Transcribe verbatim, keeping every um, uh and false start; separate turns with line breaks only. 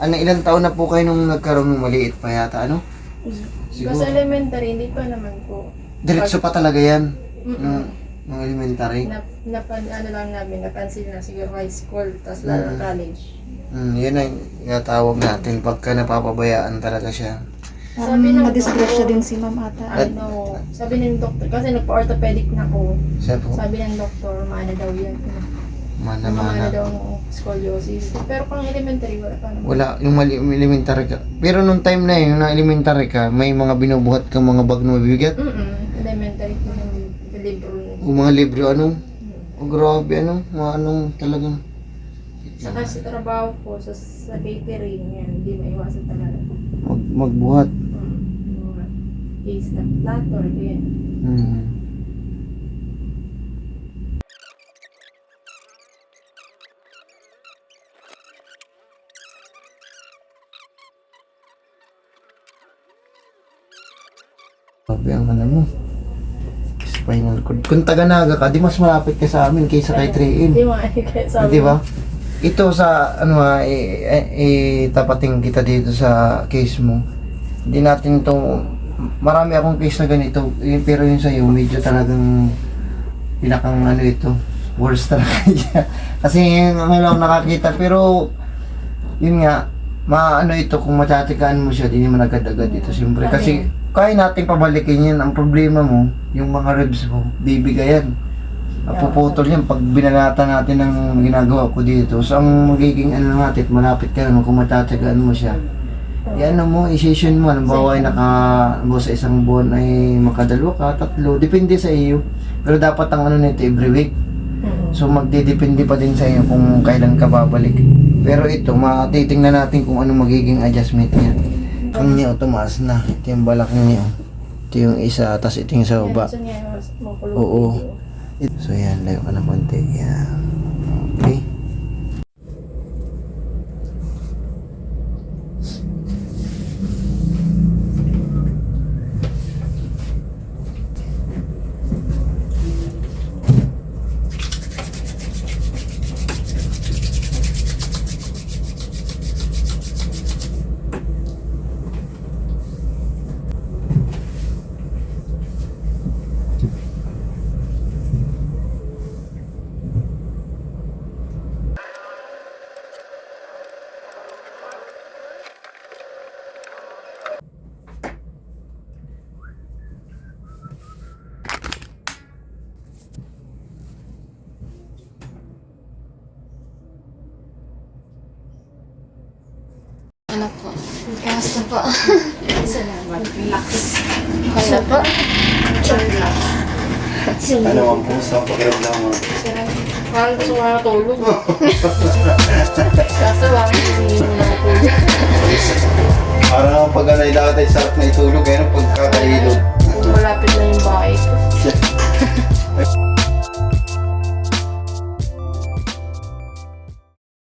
ano, ilang taon na po kayo nung nagkaroon ng maliit pa yata, ano? Siguro.
Kasi elementary, hindi pa naman po.
Diretso pa talaga yan.
Mm-mm.
Nung, nung elementary.
Na, napan, ano lang namin, napansin na siguro high school, tapos lalo
Mm.
college.
Hmm, yun ang tinatawag natin pagka napapabayaan talaga siya.
Sabi
Um,
ng
madisgrasya
doktor,
din si ma'am ata.
Ano, sabi ng doktor, kasi nagpa-orthopedic na ko.
Siya po,
Sabi ng doktor, maana daw yan. Maana
mana-mana.
daw ang scoliosis. Pero pang elementary, wala pa naman.
Wala, yung mali, yung elementary ka. Pero nung time na yun, yung na elementary ka, may mga binubuhat kang mga bag na mabibigat.
Mm-mm, elementary po yung libro.
O mga libro, ano? O grabe, ano? Mga anong talagang...
Saka sa trabaho ko, sa, sa catering, yan, hindi maiwasan talaga.
Mag, magbuhat.
Mm, mga case na plato, yan.
Hmm. Grabe ang ano mo. Spinal cord. Kung taga-naga ka, di mas malapit ka sa amin kaysa kay three in.
Hindi mga kaya sabi.
Di ba? Ito sa ano ha, i- i- itapating kita dito sa case mo. Hindi natin to marami akong case na ganito, eh, pero yun sa'yo medyo talagang pinakang ano ito, worst talaga niya. Kasi ngayon ako nakakita, pero yun nga, maano ito kung matatikaan mo siya, di naman agad-agad ito siyempre. Kasi kaya natin pabalikin yan, ang problema mo, yung mga ribs mo, bibigayan. Napuputol yan pag binalatan natin ng ginagawa ko dito. So ang magiging ano natin, malapit ka naman kung matatagaan mo siya. Yan ano mo, i-session mo, halimbawa ay naka, halimbawa sa isang buwan ay makadalwa ka, tatlo, depende sa iyo. Pero dapat ang ano nito every week. So magdidepende pa din sa iyo kung kailan ka babalik. Pero ito, matitingnan natin kung ano magiging adjustment niya. Ang niya, tumaas na. Ito yung balak niya. Ito yung isa, tapos ito yung sa baba.
Gusto niya makulong
Oo.
video.
So yan, layo ka na konti. Yan. Okay.
Ano po? Kamusta po?
Salamat. Relax.
Ano po?
Relax.
Ano ang kumusta ang pakiramdam mo?
Parang gusto ko natulog. Kaso bakit hindi mo natulog?
Parang ang pag-anay lahat ay sarap na itulog, eh, no? Pagkakailog.